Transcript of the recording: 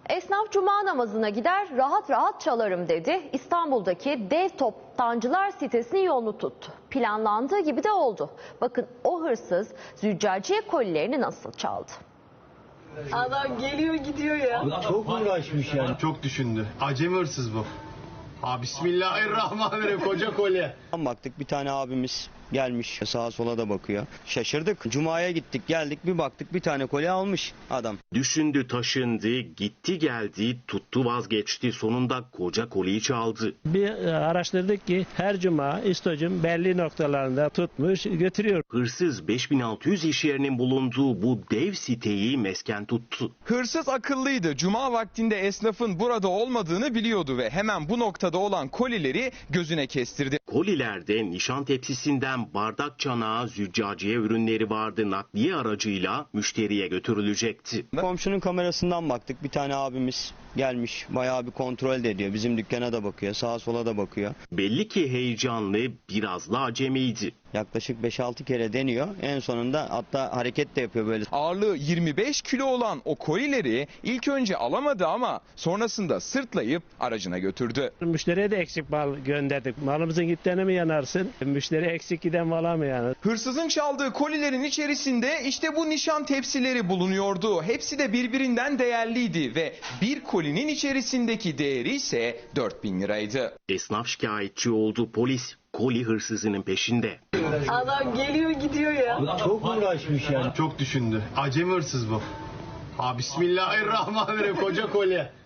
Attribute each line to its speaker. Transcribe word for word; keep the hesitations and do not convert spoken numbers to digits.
Speaker 1: Esnaf cuma namazına gider, rahat rahat çalarım dedi. İstanbul'daki dev toptancılar sitesinin yolunu tuttu. Planlandığı gibi de oldu. Bakın o hırsız züccaciye kolilerini nasıl çaldı.
Speaker 2: Adam geliyor gidiyor ya.
Speaker 3: Abi çok uğraşmış yani.
Speaker 4: Çok düşündü. Acemi hırsız bu. Ha, Bismillahirrahmanirrahim, koca kolye.
Speaker 5: Baktık bir tane abimiz gelmiş, sağa sola da bakıyor. Şaşırdık. Cuma'ya gittik geldik, bir baktık bir tane kolye almış adam.
Speaker 6: Düşündü, taşındı, gitti geldi, tuttu vazgeçti, sonunda koca kolyeyi çaldı.
Speaker 7: Bir araştırdık ki her cuma İstoç'un belli noktalarında tutmuş götürüyor.
Speaker 6: Hırsız beş bin altı yüz iş yerinin bulunduğu bu dev siteyi mesken tuttu.
Speaker 8: Hırsız akıllıydı. Cuma vaktinde esnafın burada olmadığını biliyordu ve hemen bu noktada olan kolileri gözüne kestirdi.
Speaker 6: Kolilerde nişan tepsisinden bardak çanağı, züccaciye ürünleri vardı. Nakliye aracıyla müşteriye götürülecekti.
Speaker 5: Komşunun kamerasından baktık, bir tane abimiz gelmiş, bayağı bir kontrol de ediyor. Bizim dükkana da bakıyor, sağa sola da bakıyor.
Speaker 6: Belli ki heyecanlı, biraz da acemiydi.
Speaker 5: Yaklaşık beş altı kere deniyor. En sonunda hatta hareket de yapıyor böyle.
Speaker 8: Ağırlığı yirmi beş kilo olan o kolileri ilk önce alamadı ama sonrasında sırtlayıp aracına götürdü.
Speaker 7: Müşteriye de eksik mal gönderdik. Malımızın gittiğine mi yanarsın? Müşteri eksik giden mala mı yanar?
Speaker 8: Hırsızın çaldığı kolilerin içerisinde işte bu nişan tepsileri bulunuyordu. Hepsi de birbirinden değerliydi ve bir kolinin içerisindeki değeri ise dört bin liraydı.
Speaker 6: Esnaf şikayetçi oldu, polis koli hırsızının peşinde.
Speaker 2: Adam geliyor gidiyor ya.
Speaker 3: Abi çok uğraşmış yani.
Speaker 4: Çok düşündü. Acemi hırsız bu. Ha, Bismillahirrahmanirrahim, koca kolye.